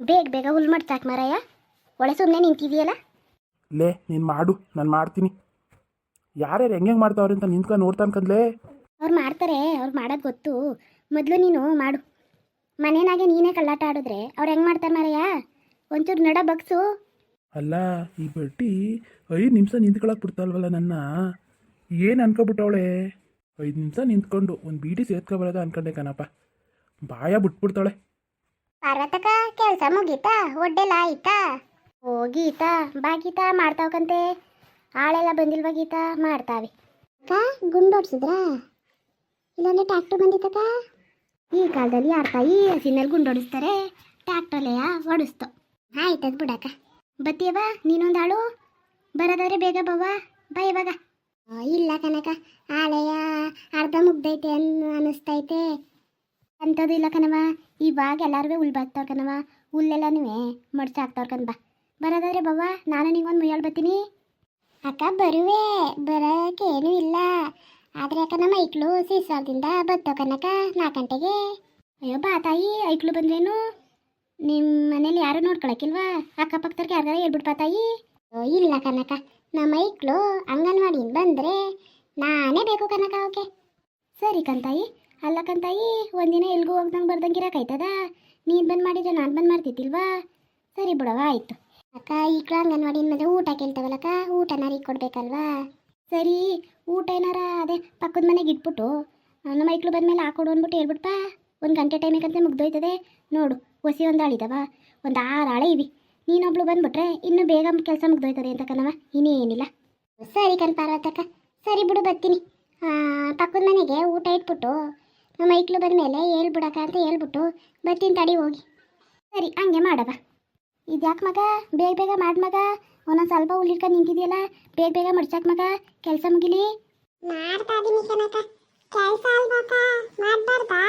ಬೇಗ ಬೇಗ ಹುಲ್ ಮಾಡ್ತಾಕ್ ಮಾರಾಯ. ಒಳ್ಳೆ ಸುಮ್ಮನೆ ನಿಂತಿದೆಯಲ್ಲ. ಲೇ ನೀನು ಮಾಡು, ನಾನು ಮಾಡ್ತೀನಿ. ಯಾರ್ಯಾರು ಹೆಂಗೆ ಮಾಡ್ತಾವ್ರೆ ಅಂತ ನಿಂತ್ಕೊಂಡು ನೋಡ್ತಾನೆ ಕಂದ್ಲೇ. ಅವ್ರು ಮಾಡ್ತಾರೆ, ಅವ್ರು ಮಾಡೋದು ಗೊತ್ತು. ಮೊದಲು ನೀನು ಮಾಡು. ಮನೆಯಾಗೆ ನೀನೇ ಕಳ್ಳಾಟ ಆಡಿದ್ರೆ ಅವ್ರು ಹೆಂಗೆ ಮಾಡ್ತಾರೆ ಮಾರಾಯ? ಒಂಚೂರು ನಡ ಬಗ್ಸು. ಅಲ್ಲ ಈ ಬಡ್ಡಿ 5 ನಿಮಿಷ ನಿಂತ್ಕೊಳಕ್ಕೆ ಬಿಡ್ತಾಲ್ವಲ್ಲ ನನ್ನ. ಏನು ಅನ್ಕೊಬಿಟ್ಟವಳೆ? 5 ನಿಮಿಷ ನಿಂತ್ಕೊಂಡು ಒಂದು ಬೀಡಿ ಸೇರ್ಕೊಬರೋದ ಅನ್ಕೊಂಡೆ ಕಣಪ್ಪ. ಬಾಯ ಬಿಟ್ಬಿಡ್ತಾಳೆ. ಪಾರ್ವತಕ್ಕ ಕೆಲಸ ಮುಗೀತಾ? ಒಡ್ಡೆಲ್ಲ ಆಯ್ತಾ? ಓ ಗೀತಾ, ಬಾ ಗೀತಾ, ಮಾಡ್ತಾವಕಂತೆ. ಆಳೆಲ್ಲ ಬಂದಿಲ್ವಾ ಗೀತಾ? ಮಾಡ್ತಾವೆ. ಅಕ್ಕ ಗುಂಡು ಹೊಡ್ಸಿದ್ರಾ? ಇಲ್ಲಾಂದ್ರೆ ಟ್ಯಾಕ್ಟ್ರ್ ಬಂದಿತ್ತಕ್ಕ? ಈ ಕಾಲದಲ್ಲಿ ಯಾರ ತಾಯಿ ಹಸಿನಲ್ಲಿ ಗುಂಡು ಹೊಡಿಸ್ತಾರೆ? ಟ್ಯಾಕ್ಟ್ರಲ್ಲೆಯ ಹೊಡಿಸ್ತು. ಆಯ್ತದ ಬಿಡಕ್ಕ. ಬತ್ತೀಯವ ನೀನೊಂದಾಳು? ಬರೋದಾದ್ರೆ ಬೇಗ ಬವ್ವ, ಬಾ ಇವಾಗ. ಇಲ್ಲ ಕನಕ, ಆಳೆಯ ಅರ್ಧ ಮುಗ್ದೈತೆ ಅನ್ನಿಸ್ತೈತೆ. ಅಂಥದ್ದು ಇಲ್ಲ ಕಣವ, ಇವಾಗ ಎಲ್ಲರೂ ಹುಲ್ ಬಾಕ್ತವ್ರ ಕಣವ. ಹುಲ್ಲೆಲ್ಲನೂ ಮಡ್ಚಾಕ್ತವ್ರ ಕಣ್. ಬಾ ಬರೋದಾದ್ರೆ ಬವ್ವ, ನಾನು ನಿಂಗೊಂದು ಮುಯ್ಯಾಳು ಬರ್ತೀನಿ. ಅಕ್ಕ ಬರುವೆ, ಬರೋಕ್ಕೇನೂ ಇಲ್ಲ. ಆದರೆ ಅಕ್ಕ ನಮ್ಮ ಐಕ್ಳು ಸೀಸಾಲದಿಂದ ಬತ್ತೋ ಕನಕ 4 ಗಂಟೆಗೆ. ಅಯ್ಯೋ ಬಾ ತಾಯಿ, ಐಕ್ಳು ಬಂದ್ರೇನು? ನಿಮ್ಮ ಮನೇಲಿ ಯಾರು ನೋಡ್ಕೊಳಕ್ಕಿಲ್ವಾ? ಅಕ್ಕಪಕ್ಕದವ್ರಿಗೆ ಯಾರಿಗಾರ ಹೇಳ್ಬಿಡ್ಪಾ ತಾಯಿ. ಇಲ್ಲ ಕನಕ, ನಮ್ಮ ಐಕ್ಳು ಅಂಗನವಾಡಿಯಿಂದ ಬಂದರೆ ನಾನೇ ಬೇಕು ಕನಕ ಓಕೆ. ಸರಿ ಕಂತಾಯಿ. ಅಲ್ಲ ಕಂತಾಯಿ, ಒಂದಿನ ಎಲ್ಗೂ ಹೋಗ್ದಂಗೆ ಬರ್ದಂಗೆ ಇರೋಕ್ಕಾಯ್ತದ? ನೀನು ಬಂದು ಮಾಡಿದ್ರೆ ನಾನು ಬಂದು ಮಾಡ್ತಿದ್ದಿಲ್ವಾ? ಸರಿ ಬಿಡವ, ಆಯಿತು. ಅಕ್ಕ ಈಕ್ಳು ಅಂಗನವಾಡಿಯಿಂದ ಬಂದರೆ ಊಟ ಕೇಳ್ತಾವಲ್ಲಕ್ಕ, ಊಟನಾರ ಈಗ ಕೊಡ್ಬೇಕಲ್ವಾ? ಸರಿ, ಊಟ ಏನಾರ ಅದೇ ಪಕ್ಕದ ಮನೆಗೆ ಇಟ್ಬಿಟ್ಟು ನಮ್ಮ ಐಕ್ಳು ಬಂದಮೇಲೆ ಹಾಕೊಡು ಅಂದ್ಬಿಟ್ಟು ಹೇಳ್ಬಿಟ್ಪಾ. 1 ಗಂಟೆ ಟೈಮಿಗಂತ ಮುಗ್ದೋಯ್ತದೆ ನೋಡು. ಹೊಸಿ ಒಂದು ಆಳಿದವ, ಒಂದು 6 ಆಳೆ ಇವಿ. ನೀನೊಬ್ಳು ಬಂದ್ಬಿಟ್ರೆ ಇನ್ನೂ ಬೇಗ ಕೆಲಸ ಮುಗ್ದೋಯ್ತದೆ ಅಂತ ಕಣವ, ಇನ್ನೇನಿಲ್ಲ. ಸರಿ ಕಣ್ ಪಾರ್ವತಕ್ಕ, ಸರಿ ಬಿಡು ಬರ್ತೀನಿ. ಪಕ್ಕದ ಮನೆಗೆ ಊಟ ಇಟ್ಬಿಟ್ಟು ನಮ್ಮ ಐಕ್ಳು ಬಂದಮೇಲೆ ಹೇಳ್ಬಿಡಕ್ಕ ಅಂತ ಹೇಳ್ಬಿಟ್ಟು ಬರ್ತೀನಿ ತಡಿ ಹೋಗಿ. ಸರಿ ಹಂಗೆ ಮಾಡವ. ಇದ್ಯಾಕೆ ಮಗ ಬೇಗ ಬೇಗ ಮಾಡಿ ಮಗ? ಒಂದೊಂದು ಸ್ವಲ್ಪ ಹುಲ್ಲಿಡ್ಕೊಂಡು ನಿಂತಿದೆಯಲ್ಲ, ಬೇಗ ಬೇಗ ಮಡ್ಚಾಕ್ ಮಗ, ಕೆಲಸ ಮುಗಿಲಿ. ಮಾಡ್ತಾ ಇದೀನಿ ಕನಕ, ಕೆಲಸ ಅಲ್ವಾಕ ಮಾಡ್ಬಾರ್ದಾ?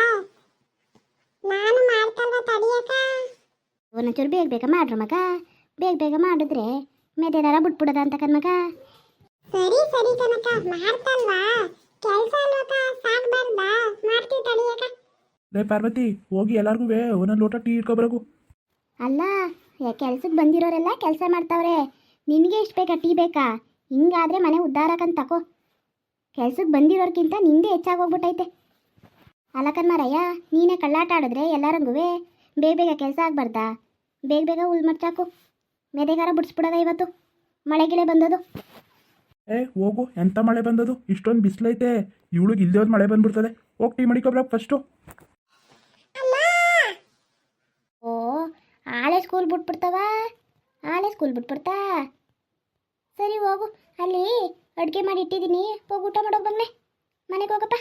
ನಾನು ಮಾಡ್ತಲ್ವ ತಡಿಯಕ. ಒಂದೊಂಚೂರು ಬೇಗ ಬೇಗ ಮಾಡ್ರು ಮಗ. ಬೇಗ ಬೇಗ ಮಾಡಿದ್ರೆ ಮೆದೆದಾರ ಬಿಟ್ಬಿಡೋದ ಅಂತ ಕಣ್ಮಗ. ಸರಿ ಸರಿ ಕನಕ, ಮಾಡ್ತಲ್ವಾ? ಕೆಲಸ ಅಲ್ವಕ, ಸಾಕ್ಬಾರ್ದಾ? ಮಾಡ್ತೀವಿ ತಡಿಯಕ. ಲೇ ಪಾರ್ವತಿ, ಹೋಗಿ ಎಲ್ಲರಿಗೂ ಒಂದೊಂದು ಲೋಟ ಟೀ ಇಟ್ಕೊಬರಗು. ಅಲ್ಲ, ಕೆಲ್ಸಕ್ಕೆ ಬಂದಿರೋರೆಲ್ಲ ಕೆಲಸ ಮಾಡ್ತಾವ್ರೆ, ನಿನಗೆ ಇಷ್ಟು ಬೇಕಾ ಟೀ ಬೇಕಾ? ಹಿಂಗಾದ್ರೆ ಮನೆ ಉದ್ಧಾರಕ್ಕಂತ ತಕೋ. ಕೆಲ್ಸಕ್ಕೆ ಬಂದಿರೋರ್ಗಿಂತ ನಿಂದೆ ಹೆಚ್ಚಾಗೋಗ್ಬಿಟ್ಟೈತೆ. ಅಲ್ಲಕನ್ಮಾರಯ್ಯ, ನೀನೇ ಕಳ್ಳಾಟ ಆಡಿದ್ರೆ ಎಲ್ಲರಂಗೂ ಬೇಗ ಬೇಗ ಕೆಲಸ ಆಗ್ಬಾರ್ದಾ? ಬೇಗ ಬೇಗ ಹುಲ್ ಮಡ್ಚಾಕು, ಮೆದೆಗಾರ ಬಿಡಿಸ್ಬಿಡೋದ. ಇವತ್ತು ಮಳೆಗಿಳೆ ಬಂದದು. ಹೋಗು, ಎಂಥ ಮಳೆ ಬಂದದು? ಇಷ್ಟೊಂದು ಬಿಸಿಲೈತೆ, ಇವಳಿಗೆ ಇಲ್ಲದೆ ಒಂದು ಮಳೆ ಬಂದ್ಬಿಡ್ತದೆ. ಹೋಗಿ ಟೀ ಮಾಡಿಕೊಬ್ರಕ್ ಫಸ್ಟು. ಓ, ಆಳೆ ಸ್ಕೂಲ್ ಬಿಟ್ಬಿಡ್ತಾವ, ಆಳೆ ಸ್ಕೂಲ್ ಬಿಟ್ಬಿಡ್ತಾ? ಸರಿ ಹೋಗು, ಅಲ್ಲಿ ಅಡುಗೆ ಮಾಡಿ ಇಟ್ಟಿದ್ದೀನಿ, ಹೋಗಿ ಊಟ ಮಾಡೋಕೆ ಬಂದೆ. ಮನೆಗೆ ಹೋಗಪ್ಪ.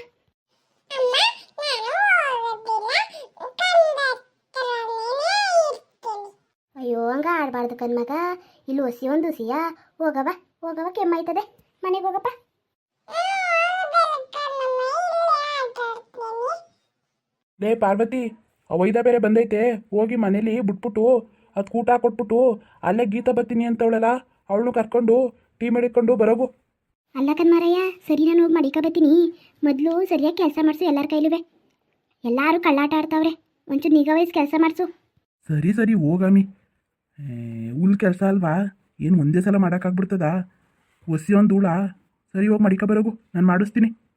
ಅಯ್ಯೋ ಹಂಗ ಆಡಬಾರ್ದು ಕಣ್ಮಗ, ಇಲ್ಲಿ ಹೊಸಿ ಒಂದು ಹುಸಿಯಾ. ಹೋಗವ ಹೋಗವ, ಕೆಮ್ಮಾಯ್ತದೆ, ಮನೆಗೆ ಹೋಗಪ್ಪ. ಲೇ ಪಾರ್ವತಿ, ಅವೈದ ಬೇರೆ ಬಂದೈತೆ, ಹೋಗಿ ಮನೇಲಿ ಬಿಟ್ಬಿಟ್ಟು ಅದು ಊಟ ಕೊಟ್ಬಿಟ್ಟು ಅಲ್ಲೇ ಗೀತಾ ಬರ್ತೀನಿ ಅಂತವಳಲ್ಲ, ಅವಳನ್ನು ಕರ್ಕೊಂಡು ಟೀ ಮಾಡಿಕೊಂಡು ಬರೋಗು. ಅಲ್ಲ ಕಣ್ಮಾರಯ್ಯ, ಸರಿ ನಾನು ಹೋಗಿ ಮಡಿಕ ಬರ್ತೀನಿ. ಮೊದಲು ಸರಿಯಾಗಿ ಕೆಲಸ ಮಾಡಿಸು ಎಲ್ಲರ ಕೈಲುವೆ. ಎಲ್ಲರೂ ಕಳ್ಳಾಟ ಆಡ್ತಾವ್ರೆ, ಒಂಚೂರು ನಿಗಾ ವಹಿಸಿ ಕೆಲಸ ಮಾಡಿಸು. ಸರಿ ಸರಿ ಹೋಗಾಮಿ. ಹುಲ್ ಕೆಲಸ ಅಲ್ವಾ, ಏನು ಒಂದೇ ಸಲ ಮಾಡೋಕ್ಕಾಗ್ಬಿಡ್ತದ? ಒಸಿ ಒಂದು ಹುಳ. ಸರಿ ಹೋಗಿ ಮಡಿಕ ಬರೋಗು, ನಾನು ಮಾಡಿಸ್ತೀನಿ.